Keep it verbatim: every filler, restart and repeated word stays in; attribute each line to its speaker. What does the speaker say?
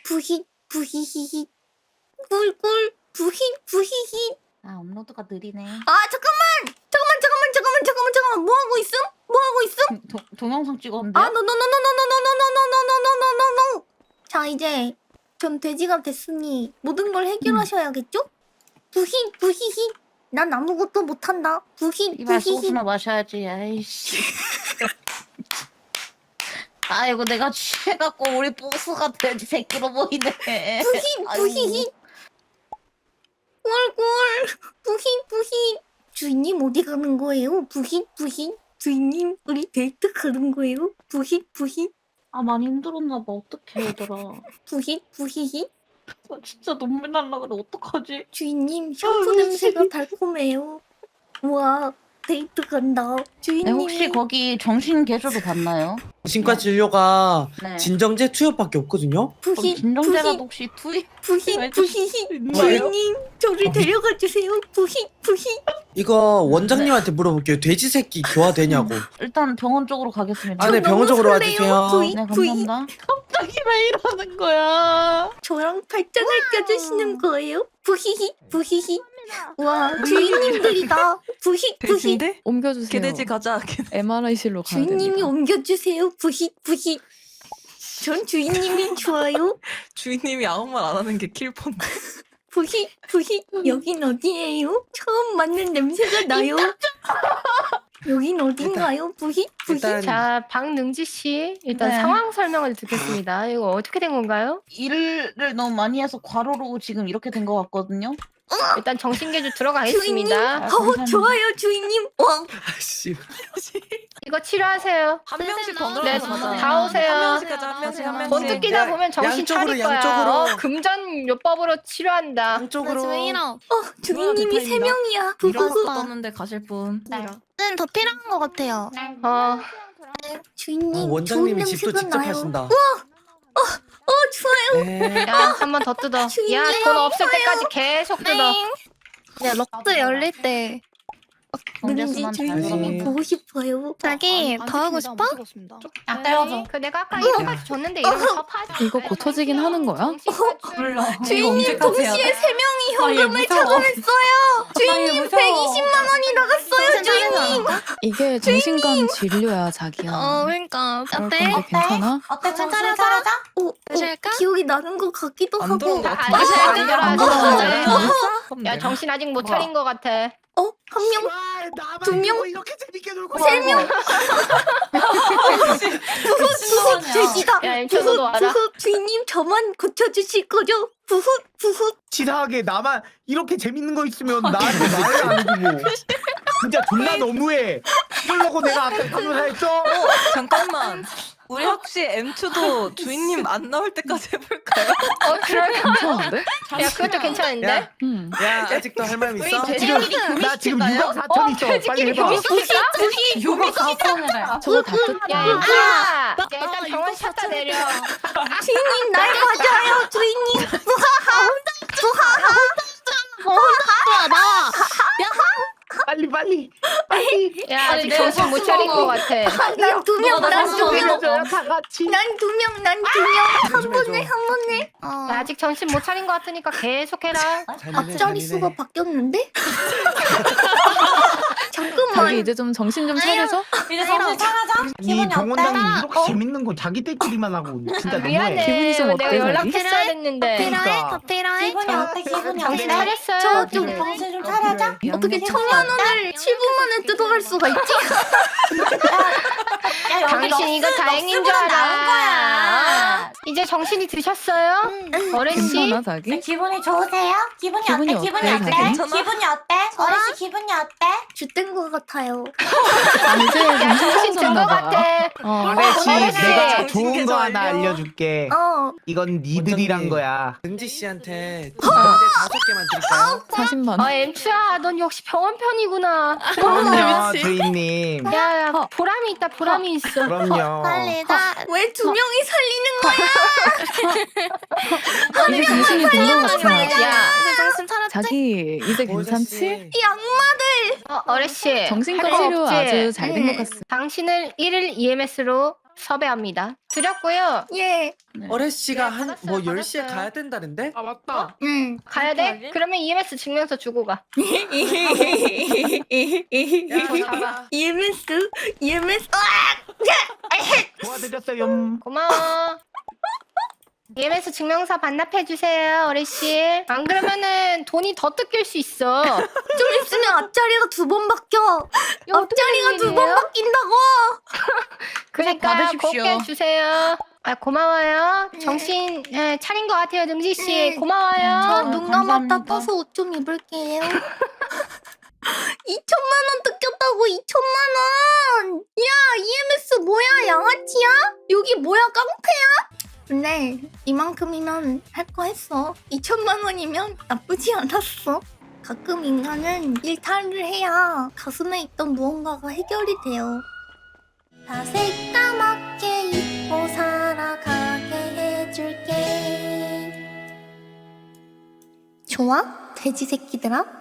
Speaker 1: 부히 부히히히 꿀꿀 부히 부히히.
Speaker 2: 아 업로드가 느리네.
Speaker 1: 아 잠깐만 잠깐만 잠깐만 잠깐만 잠깐만 잠깐만 뭐 하고 있음? 뭐 하고 있음?
Speaker 2: 도, 동영상 찍었는데.
Speaker 1: 아 노노노노노노노노노노노노노노노노. 자 이제 전 돼지가 됐으니 모든 걸 해결하셔야겠죠? 부히 부히히. 난 아무것도 못한다. 부히
Speaker 2: 이발
Speaker 1: 부히히.
Speaker 2: 소주나 마셔야지. 아이씨. 아이고 내가 취해갖고 우리 보스가 돼지 새끼로 보이네.
Speaker 1: 부히 부히히. 꿀꿀 부히 부히. 주인님 어디 가는 거예요? 부히 부히. 주인님 우리 데이트 가는 거예요? 부히 부히.
Speaker 2: 아 많이 힘들었나 봐. 어떡해 얘들아.
Speaker 1: 부히 부히히.
Speaker 2: 나 진짜 눈물 날라 그래. 어떡하지?
Speaker 1: 주인님 샴푸 냄새가 달콤해요. 우와 데이트 간다.
Speaker 2: 네,
Speaker 1: 주인님
Speaker 2: 혹시 거기 정신 개조도 봤나요?
Speaker 3: 정신과 진료가
Speaker 2: 네.
Speaker 3: 진정제 투여밖에 없거든요.
Speaker 2: 거기
Speaker 1: 부히
Speaker 2: 진정제라도
Speaker 1: 부히
Speaker 2: 혹시 투입?
Speaker 1: 부히
Speaker 2: 왜
Speaker 1: 부히히.
Speaker 2: 있나요?
Speaker 1: 주인님 저를 데려가 주세요. 부히 부히.
Speaker 3: 이거 원장님한테 물어볼게요. 돼지 새끼 교화되냐고.
Speaker 2: 일단 병원 쪽으로 가겠습니다.
Speaker 3: 아, 네,
Speaker 1: 저 너무
Speaker 3: 병원 쪽으로
Speaker 1: 설레요.
Speaker 3: 와주세요.
Speaker 1: 부히
Speaker 2: 네
Speaker 1: 부히.
Speaker 2: 감사합니다. 갑자기 왜 이러는 거야?
Speaker 1: 저랑 발전을 껴주시는 거예요? 부히히 부히히. 와 주인님들이다. 부히 부히.
Speaker 4: 돼지인데?
Speaker 5: 옮겨주세요.
Speaker 4: 개돼지 가자.
Speaker 5: 엠알아이실로 가야
Speaker 1: 주인님이
Speaker 5: 됩니다.
Speaker 1: 옮겨주세요. 부히 부히. 전 주인님이 좋아요.
Speaker 4: 주인님이 아무 말 안 하는 게 킬폰데.
Speaker 1: 부히 부히. 여긴 어디예요? 처음 맡는 냄새가 나요. 여긴 어딘가요? 부히 부히.
Speaker 3: 일단
Speaker 6: 자, 박능지 씨 일단
Speaker 2: 네.
Speaker 6: 상황 설명을 듣겠습니다. 이거 어떻게 된 건가요?
Speaker 2: 일을 너무 많이 해서 과로로 지금 이렇게 된 것 같거든요.
Speaker 6: 일단 정신개조
Speaker 1: 주인님.
Speaker 6: 들어가겠습니다.
Speaker 2: 아,
Speaker 1: 어
Speaker 2: 감사합니다.
Speaker 1: 좋아요 주인님. 와
Speaker 3: 아씨.
Speaker 6: 이거 치료하세요.
Speaker 4: 한 명씩 더
Speaker 6: 네,
Speaker 4: 늘어나서
Speaker 6: 다 오세요.
Speaker 4: 한 명씩 가자. 한 명씩 한 명씩.
Speaker 6: 번뜩 끼다 보면 정신
Speaker 3: 양쪽으로,
Speaker 6: 차릴 거야.
Speaker 3: 양쪽으로.
Speaker 6: 어, 금전요법으로 치료한다.
Speaker 3: 한쪽으로.
Speaker 1: 어 주인님이 세
Speaker 4: 대파입니다.
Speaker 1: 명이야.
Speaker 4: 이런
Speaker 1: 부후.
Speaker 4: 거 떴는데 가실 분.
Speaker 7: 는 더 필요한 것 같아요.
Speaker 6: 어,
Speaker 1: 주인님
Speaker 3: 어,
Speaker 1: 좋은
Speaker 3: 원장님이 집도
Speaker 1: 냄새가
Speaker 3: 직접
Speaker 1: 나요.
Speaker 3: 하신다.
Speaker 1: 어 좋아요.
Speaker 3: 네.
Speaker 6: 야, 한 번 더 뜯어.
Speaker 1: 주인님,
Speaker 6: 야, 돈 없을 때까지 계속 뜯어.
Speaker 7: 네, 럭드 열릴 때
Speaker 1: 왠지
Speaker 2: 경제수만 잘
Speaker 1: 주인님이
Speaker 3: 벌어.
Speaker 1: 보고 싶어요.
Speaker 7: 자기 더 하고 싶어?
Speaker 2: 아 때려줘.
Speaker 6: 그 내가 아까 이거까지 줬는데 이런 거 파지.
Speaker 5: 이거 고쳐지긴 하는 거야?
Speaker 1: 주인님 동시에 세 명이 현금을 차감했어요. 주인님 백이십만 원이 나갔어요. 주인님.
Speaker 5: 이게 정신과 진료야, 자기야.
Speaker 7: 어, 그러니까
Speaker 5: 그럴
Speaker 7: 어때?
Speaker 5: 건데 괜찮아?
Speaker 2: 어때
Speaker 7: 정신 차려자?
Speaker 1: 어, 어
Speaker 7: 보실까?
Speaker 1: 기억이 나는 것 같기도
Speaker 4: 안
Speaker 1: 하고.
Speaker 4: 들어온 것
Speaker 6: 안
Speaker 4: 같은데.
Speaker 6: 들어, 안 들어, 안 들어.
Speaker 4: 야,
Speaker 6: 야, 정신 아직 못 차린 거 같아.
Speaker 1: 어? 한 명? 두 명?
Speaker 3: 이렇게 재밌게 놀고
Speaker 1: 세 명? 부후 부후 돼지다.
Speaker 6: 야, 임초도도
Speaker 1: 부후
Speaker 6: 와라.
Speaker 1: 부후 주인님 저만 고쳐주실 거죠? 부후 부후.
Speaker 8: 치사하게 나만 이렇게 재밌는 거 있으면 나한테 말을 안 해주고 진짜 존나 너무해. 이러려고 내가 아까 변호사 했어?
Speaker 4: 잠깐만. 우리 혹시 엠투도 주인님 안 나올 때까지 해볼까요?
Speaker 6: 어, 그럴까?
Speaker 5: 괜찮은데?
Speaker 6: 야, 그것도 괜찮은데?
Speaker 3: 야,
Speaker 5: 응.
Speaker 3: 야 아직도 할 말 있어?
Speaker 8: 지금 나 지금 육억 사천 있어. 빨리
Speaker 6: 돼지끼리
Speaker 8: 해봐.
Speaker 6: 교미시킬까?
Speaker 2: 요거 가성이래.
Speaker 5: 저거 다 뜯.
Speaker 6: 야, 얘들아! 야, 일단 병원 찾다 내려.
Speaker 1: 주인님 날 맞아요. 주인님.
Speaker 8: 빨리 빨리.
Speaker 6: 야, 아직 정신 못 차린 거 같아.
Speaker 1: 난 두 명. 난 두 명.
Speaker 8: 다 같이.
Speaker 1: 난 두 명. 난 두 명. 한 번에 한 번에.
Speaker 7: 어.
Speaker 6: 야, 아직 정신 못 차린 거 같으니까 계속해라.
Speaker 1: 앞자리 수가 바뀌었는데?
Speaker 5: 자기
Speaker 1: 잠깐만.
Speaker 5: 이제 좀 정신 좀 차려줘?
Speaker 2: 이제 정신 차려자.
Speaker 8: 이 병원장님 이렇게 재밌는 거 자기들끼리만 하고 진짜 너무해.
Speaker 6: 미안해.
Speaker 5: 기분이 좀
Speaker 6: 내가
Speaker 5: 어때,
Speaker 6: 연락했어야 됐는데.
Speaker 7: 필요해?
Speaker 8: 그러니까.
Speaker 7: 더 필요해?
Speaker 2: 기분이 어때? 기분이
Speaker 6: 정신
Speaker 2: 어때?
Speaker 6: 차렸어요.
Speaker 1: 저 좀
Speaker 2: 정신 좀 차려자.
Speaker 1: 어떻게 천만 원을 칠 분 만에 뜯어갈 수가 있지?
Speaker 2: 야 여기
Speaker 6: 당신 이거
Speaker 2: 럭스,
Speaker 6: 다행인 줄
Speaker 2: 럭스보다 나은 거야.
Speaker 6: 알아. 이제 정신이 드셨어요? 어른씨?
Speaker 5: 괜찮아, 자기?
Speaker 2: 기분이 좋으세요? 기분이,
Speaker 5: 기분이
Speaker 2: 어때? 기분이
Speaker 5: 어때,
Speaker 2: 어때?
Speaker 5: 자기?
Speaker 2: 기분이 어때? 어르신 기분이 어때?
Speaker 1: 쥐된 것 같아요.
Speaker 5: 아, 이제
Speaker 6: 야,
Speaker 5: 정신
Speaker 6: 정신 든
Speaker 5: 차렸나
Speaker 6: 거
Speaker 5: 봐.
Speaker 6: 같아.
Speaker 5: 어.
Speaker 8: 그렇지.
Speaker 6: 어르신.
Speaker 8: 내가 좋은
Speaker 4: 정신계좌
Speaker 8: 거 하나
Speaker 4: 알려.
Speaker 8: 알려줄게.
Speaker 1: 어.
Speaker 8: 이건 니들이란
Speaker 3: 원장님.
Speaker 8: 거야.
Speaker 3: 은지 씨한테 진정제 다섯 개만 드릴까요?
Speaker 5: 사십만 원.
Speaker 6: 아, 엠추야, 넌 역시 병원 편이구나.
Speaker 8: 그럼요, 주인님.
Speaker 6: 야, 야, 보람이 있다, 보람이 있어.
Speaker 8: 그럼요.
Speaker 7: 빨리 다.
Speaker 1: 왜 두 명이 살리는 거야?
Speaker 5: 이제 정신이 든 거 같아.
Speaker 6: 야,
Speaker 7: 이제 정신 차렸지?
Speaker 5: 자기 이제 괜찮지?
Speaker 1: 이 악마들.
Speaker 6: 어, 어르신.
Speaker 5: 정신과
Speaker 6: 할거
Speaker 5: 치료
Speaker 6: 없지?
Speaker 5: 아주 잘 된 것
Speaker 1: 음.
Speaker 5: 같습니다.
Speaker 6: 당신을 일 일 이엠에스로 섭외합니다. 드렸고요.
Speaker 1: 예.
Speaker 3: 어레 씨가
Speaker 6: 네,
Speaker 3: 한
Speaker 6: 받았어요,
Speaker 3: 뭐 열 시에
Speaker 6: 받았어요.
Speaker 3: 가야 된다는데?
Speaker 8: 아 맞다.
Speaker 1: 응.
Speaker 6: 가야 돼? 그러면 이엠에스 증명서 주고 가.
Speaker 3: 야,
Speaker 1: 이엠에스 이엠에스
Speaker 8: 도와드렸어요.
Speaker 6: 고마워. 이엠에스 증명서 반납해 주세요, 어레 씨. 안 그러면은 돈이 더 뜯길 수 있어.
Speaker 1: 좀 있으면 앞자리가 두 번 바뀌어.
Speaker 6: 이거 어떻게
Speaker 1: 앞자리가
Speaker 6: 된
Speaker 1: 두 번
Speaker 6: 일이에요?
Speaker 1: 바뀐다고.
Speaker 6: 그러니까
Speaker 2: 받으십시오.
Speaker 6: 곱게 주세요. 아 고마워요.
Speaker 1: 네.
Speaker 6: 정신 예, 차린 것 같아요, 능지 씨.
Speaker 1: 네.
Speaker 6: 고마워요.
Speaker 1: 저
Speaker 2: 아,
Speaker 1: 눈 감았다
Speaker 2: 감사합니다.
Speaker 1: 떠서 옷 좀 입을게요. 이천만 원 뜯겼다고 이천만 원. 야 이엠에스 뭐야 양아치야? 여기 뭐야 깡패야? 근데 이만큼이면 할 거 했어. 이천만 원이면 나쁘지 않았어. 가끔 인간은 일탈을 해야 가슴에 있던 무언가가 해결이 돼요. 다 새까맣게 입고 살아가게 해줄게. 좋아? 돼지 새끼들아?